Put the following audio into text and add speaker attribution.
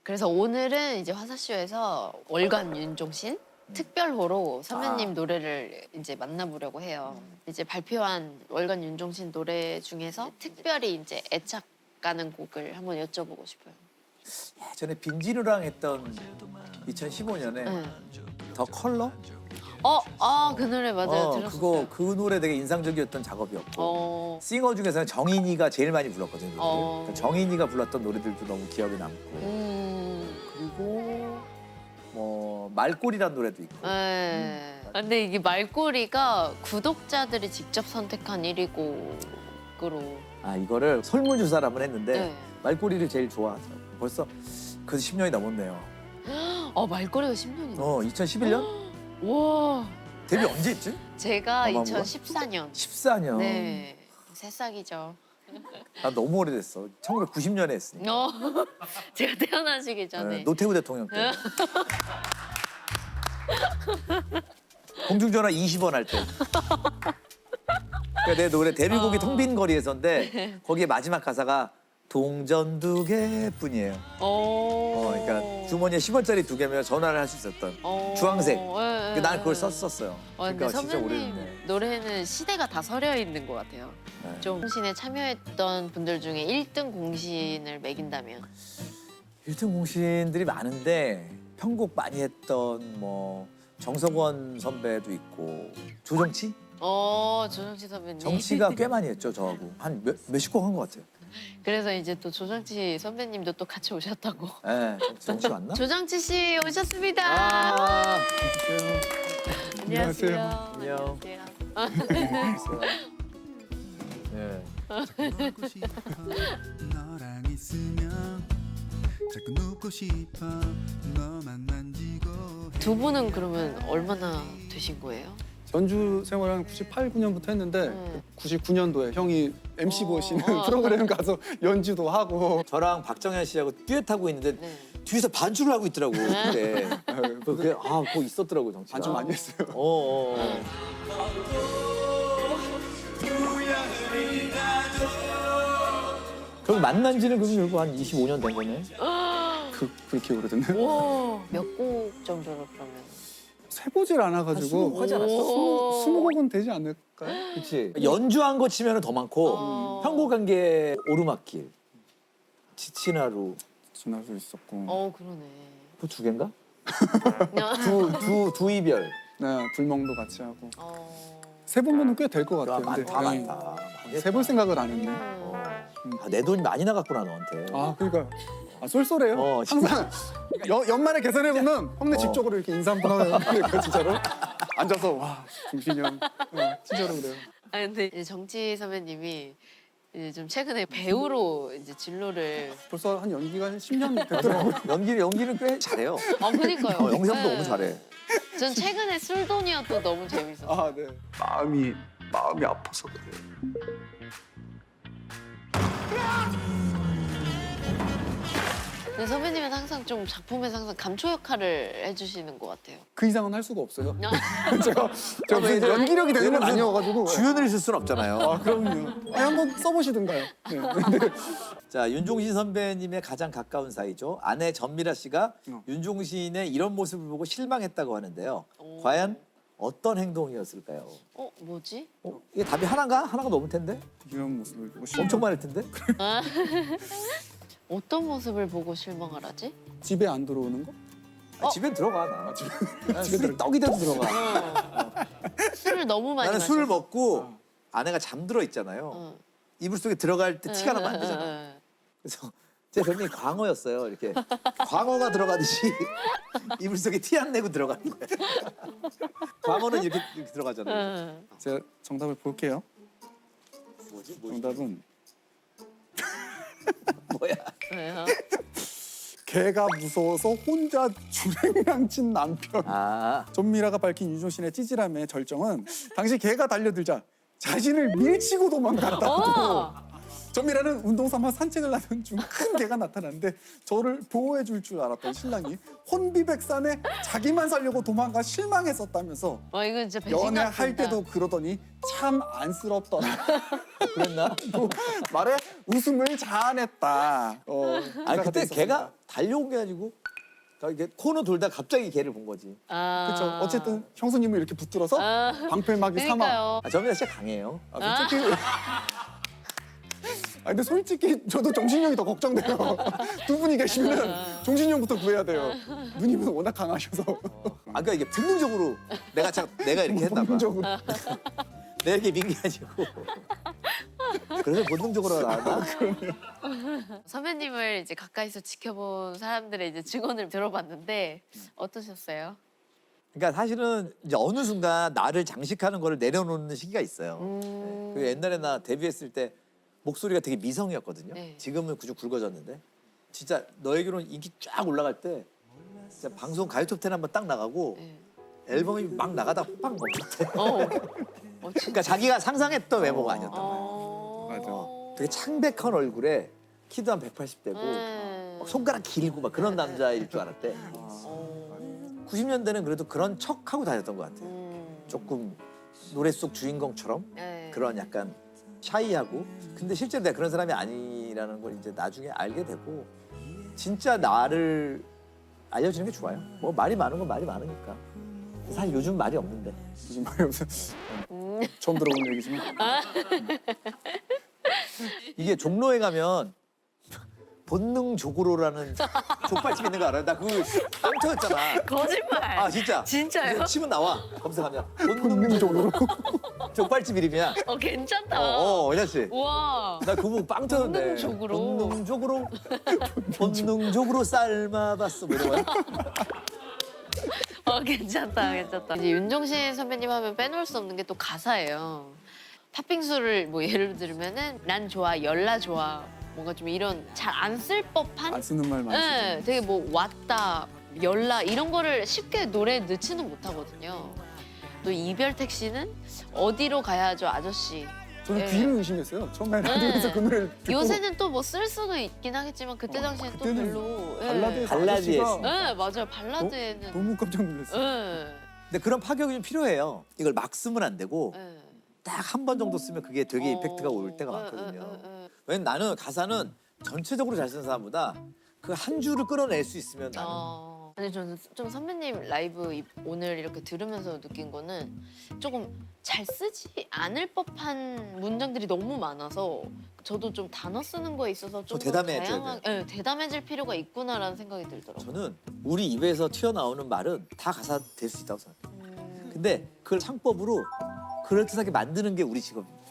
Speaker 1: 그래서 오늘은 이제 화사쇼에서 월간 윤종신 특별호로 선배님 노래를 이제 만나보려고 해요. 이제 발표한 월간 윤종신 노래 중에서 특별히 이제 애착 가는 곡을 한번 여쭤보고 싶어요.
Speaker 2: 예전에 빈지누랑 했던 2015년에
Speaker 1: 네.
Speaker 2: 더 컬러?
Speaker 1: 그 노래 맞아요. 들었어요.
Speaker 2: 그 노래 되게 인상적이었던 작업이었고 싱어 중에서는 정인이가 제일 많이 불렀거든요. 그러니까 정인이가 불렀던 노래들도 너무 기억에 남고 그리고 뭐 말꼬리란 노래도 있고
Speaker 1: 네. 근데 이게 말꼬리가 구독자들이 직접 선택한 1위 곡으로.
Speaker 2: 아 이거를 설문조사를 한번 했는데
Speaker 1: 네.
Speaker 2: 말꼬리를 제일 좋아하더라고요. 벌써 그래서 10년이 넘었네요.
Speaker 1: 말꼬리가 10년이나.
Speaker 2: 2011년?
Speaker 1: 와.
Speaker 2: 데뷔 언제 했지?
Speaker 1: 제가
Speaker 2: 어마어마한
Speaker 1: 2014년.
Speaker 2: 14년.
Speaker 1: 네. 새싹이죠.
Speaker 2: 나 너무 오래됐어. 1990년에 했으니까.
Speaker 1: 제가 태어나시기 전에.
Speaker 2: 네, 노태우 대통령 때. 공중전화 20원 할 때. 그러니까 내 노래 데뷔곡이 텅빈 거리에서인데 거기에 마지막 가사가 동전 2개뿐이에요. 그러니까 주머니에 10원짜리 2개면 전화를 할 수 있었던 주황색. 난 그걸 썼었어요.
Speaker 1: 근데
Speaker 2: 그러니까 진짜
Speaker 1: 선배님
Speaker 2: 오래됐네.
Speaker 1: 노래는 시대가 다 서려 있는 것 같아요.
Speaker 2: 네.
Speaker 1: 좀 공신에 참여했던 분들 중에 1등 공신을 매긴다면?
Speaker 2: 1등 공신들이 많은데 편곡 많이 했던 뭐 정석원 선배도 있고 조정치?
Speaker 1: 조정치 선배님.
Speaker 2: 정치가 꽤 많이 했죠, 저하고. 한 몇십 곡 한 것 같아요.
Speaker 1: 그래서 이제 또 조정치 선배님도 또 같이 오셨다고.
Speaker 2: 네, 정치 왔나?
Speaker 1: 조정치 씨 오셨습니다.
Speaker 2: 아,
Speaker 1: 안녕하세요.
Speaker 2: 안녕.
Speaker 1: 안녕하세요.
Speaker 2: 네.
Speaker 3: 너랑 있으면 자꾸 눕고 싶어 너만 만지고
Speaker 1: 두 분은 그러면 얼마나 되신 거예요?
Speaker 4: 연주 생활을 한 98, 9년부터 했는데
Speaker 1: 네.
Speaker 4: 99년도에 형이 MC 보시는 프로그램 가서 연주도 하고
Speaker 2: 저랑 박정현 씨하고 듀엣하고 있는데
Speaker 1: 네.
Speaker 2: 뒤에서 반주를 하고 있더라고. 그때. 그거 있었더라고, 정치가.
Speaker 4: 반주 많이 했어요.
Speaker 2: 그럼 만난 지는 그럼 결국 한 25년 된 거네?
Speaker 4: 그렇게 오래됐네요.
Speaker 1: 와, 몇 곡 정도로 그러면?
Speaker 4: 세보질 않아가지고
Speaker 2: 하지 않았어?
Speaker 4: 20곡은 되지 않을까요?
Speaker 2: 그치. 연주한 거 치면 더 많고 편곡한 게 오르막길, 지친 하루,
Speaker 4: 지날 수 있었고
Speaker 1: 그러네.
Speaker 2: 그 두 개인가? 두 이별.
Speaker 4: 네, 불멍도 같이 하고
Speaker 1: 어.
Speaker 4: 세보면 꽤 될 것 같아요.
Speaker 2: 많다,
Speaker 4: 근데
Speaker 2: 많다.
Speaker 4: 세볼 생각을 안 했네.
Speaker 2: 내 돈이 많이 나갔구나, 너한테.
Speaker 4: 그러니까 쏠쏠해요. 항상 연말에 계산해보면 형네 집 쪽으로 이렇게 인사 한번 하면 그러니까 진짜로 앉아서 와 중신이 형 진짜로 그래요.
Speaker 1: 근데 이제 정치 선배님이 이제 좀 최근에 배우로 이제 진로를.
Speaker 4: 벌써 한 연기가 한 10년 됐더라고요.
Speaker 2: 연기는 꽤 잘해요.
Speaker 1: 그니까요.
Speaker 2: 영상도
Speaker 1: 네.
Speaker 2: 너무 잘해.
Speaker 1: 전 최근에 술돈이어도 너무 재밌었어요.
Speaker 4: 네.
Speaker 3: 마음이 아파서 그래.
Speaker 1: 근데 선배님은 항상 좀 작품에서 항상 감초 역할을 해주시는 것 같아요.
Speaker 4: 그 이상은 할 수가 없어요. 제가 무슨 연기력이 되는 건 아니어가지고.
Speaker 2: 주연을 있을 순 없잖아요.
Speaker 4: 그럼요. 한번 써보시든가요. 네.
Speaker 2: 자, 윤종신 선배님의 가장 가까운 사이죠. 아내 전미라 씨가 윤종신의 이런 모습을 보고 실망했다고 하는데요. 과연 어떤 행동이었을까요?
Speaker 1: 뭐지?
Speaker 2: 이게 답이 하나인가? 하나가 넘을 텐데?
Speaker 4: 이런 모습을 보고
Speaker 2: 엄청 많을 텐데?
Speaker 1: 어떤 모습을 보고 실망을 하지?
Speaker 4: 집에 안 들어오는 거?
Speaker 2: 집엔 들어가, 나. 난 술이 떡이 돼도 들어가.
Speaker 1: 술을 너무 많이
Speaker 2: 나는
Speaker 1: 마셔서.
Speaker 2: 술을 먹고 아내가 잠들어 있잖아요. 이불 속에 들어갈 때 티가 나면 안 되잖아. 그래서 제 별명이 광어였어요. 이렇게 광어가 들어가듯이 이불 속에 티 안 내고 들어가는 거예요. 광어는 이렇게 들어가잖아요.
Speaker 4: 제가 정답을 볼게요.
Speaker 2: 뭐지?
Speaker 4: 정답은
Speaker 2: 뭐야?
Speaker 1: 왜요?
Speaker 4: 개가 무서워서 혼자 주랭랑친 남편. 전미라가 밝힌 윤종신의 찌질함의 절정은 당시 개가 달려들자 자신을 밀치고 도망갔다고. 전미라는 운동 삼아 산책을 하던 중 큰 개가 나타났는데 저를 보호해 줄 줄 알았던 신랑이 혼비백산에 자기만 살려고 도망가 실망했었다면서
Speaker 1: 와 이거 진짜 배신감
Speaker 4: 연애할
Speaker 1: 든다.
Speaker 4: 때도 그러더니 참 안쓰럽더라.
Speaker 2: 그랬나?
Speaker 4: 말에 웃음을 자아냈다.
Speaker 2: 아니
Speaker 4: 기사가
Speaker 2: 그때
Speaker 4: 됐었습니다.
Speaker 2: 걔가 달려온 게 아니고 이게 코너 돌다 갑자기 걔를 본 거지.
Speaker 4: 그렇죠. 어쨌든 형수님을 이렇게 붙들어서 방패막이 삼아.
Speaker 1: 그러니까요.
Speaker 2: 전미라 진짜 강해요.
Speaker 4: 솔직히 근데 솔직히 저도 정신력이 더 걱정돼요. 두 분이 계시면 정신력부터 구해야 돼요. 누님은 워낙 강하셔서
Speaker 2: 그러니까 이게 본능적으로 내가 이렇게 했나 봐.
Speaker 4: 본능적으로.
Speaker 2: 내가 이렇게 민게 아니고. 그래서 본능적으로 나왔나?
Speaker 1: 선배님을 이제 가까이서 지켜본 사람들의 이제 증언을 들어봤는데 어떠셨어요?
Speaker 2: 그러니까 사실은 이제 어느 순간 나를 장식하는 거를 내려놓는 시기가 있어요. 그 옛날에 나 데뷔했을 때 목소리가 되게 미성이었거든요.
Speaker 1: 네.
Speaker 2: 지금은 그저 굵어졌는데 진짜 너의 결혼 인기 쫙 올라갈 때 진짜 방송 가요톱10 한번 딱 나가고
Speaker 1: 네.
Speaker 2: 앨범이 막 나가다가 빡 멈췄대.
Speaker 1: 진짜.
Speaker 2: 그러니까 자기가 상상했던 외모가 아니었단 말이야.
Speaker 4: 맞아.
Speaker 2: 되게 창백한 얼굴에 키도 한 180대고 막 손가락 길고 막 그런 남자일 줄 알았대. 90년대는 그래도 그런 척하고 다녔던 것 같아요. 조금 노래 속 주인공처럼
Speaker 1: 네.
Speaker 2: 그런 약간 샤이하고 근데 실제로 내가 그런 사람이 아니라는 걸 이제 나중에 알게 되고 진짜 나를 알려주는 게 좋아요. 뭐 말이 많은 건 말이 많으니까. 사실 요즘 말이 없는데.
Speaker 4: 무슨 말이 없어. 처음 들어보는 얘기지만.
Speaker 2: 이게 종로에 가면 본능적으로라는 족발집 있는 거 알아요? 나 그거 빵 터졌잖아.
Speaker 1: 거짓말.
Speaker 2: 아 진짜.
Speaker 1: 진짜요?
Speaker 2: 그래서 치면 나와. 검색하면
Speaker 4: 본능적으로.
Speaker 2: 족발집 이름이야.
Speaker 1: 괜찮다.
Speaker 2: 괜찮지?
Speaker 1: 우와.
Speaker 2: 나 그거 보고 빵 터졌네.
Speaker 1: 본능적으로.
Speaker 2: 본능적으로 삶아봤어. 뭐 이런 거야?
Speaker 1: 괜찮다. 이제 윤종신 선배님 하면 빼놓을 수 없는 게 또 가사예요. 팥빙수를 뭐 예를 들면은 난 좋아, 열나 좋아. 뭔가 좀 이런 잘 안 쓸 법한
Speaker 4: 안 쓰는 말 많이 쓰죠.
Speaker 1: 네, 되게 뭐 왔다, 열나 이런 거를 쉽게 노래에 넣지는 못하거든요. 또 이별 택시는 어디로 가야죠, 아저씨.
Speaker 4: 저는
Speaker 1: 네.
Speaker 4: 귀를 의심했어요. 처음에 라디오에서 그 노래를 듣고
Speaker 1: 요새는 또 뭐 쓸 수도 있긴 하겠지만 그때 당시엔 또
Speaker 4: 그때는
Speaker 1: 별로.
Speaker 4: 발라드에서
Speaker 2: 발라드에
Speaker 4: 아저씨가
Speaker 1: 네, 맞아요. 발라드에는.
Speaker 4: 너무 깜짝 놀랐어요.
Speaker 1: 네.
Speaker 2: 근데 그런 파격이 좀 필요해요. 이걸 막 쓰면 안 되고
Speaker 1: 네.
Speaker 2: 딱 한 번 정도 쓰면 그게 되게 이펙트가 올 때가 많거든요. 왜냐면 나는 가사는 전체적으로 잘 쓰는 사람보다 그 한 줄을 끌어낼 수 있으면 나는
Speaker 1: 근데 저는 좀 선배님 라이브 오늘 이렇게 들으면서 느낀 거는 조금 잘 쓰지 않을 법한 문장들이 너무 많아서 저도 좀 단어 쓰는 거에 있어서 좀 더
Speaker 2: 대담해져야
Speaker 1: 다양하게 대담해질 필요가 있구나라는 생각이 들더라고요.
Speaker 2: 저는 우리 입에서 튀어나오는 말은 다 가사 될 수 있다고 생각해요. 근데 그걸 창법으로 그럴듯하게 만드는 게 우리 직업입니다.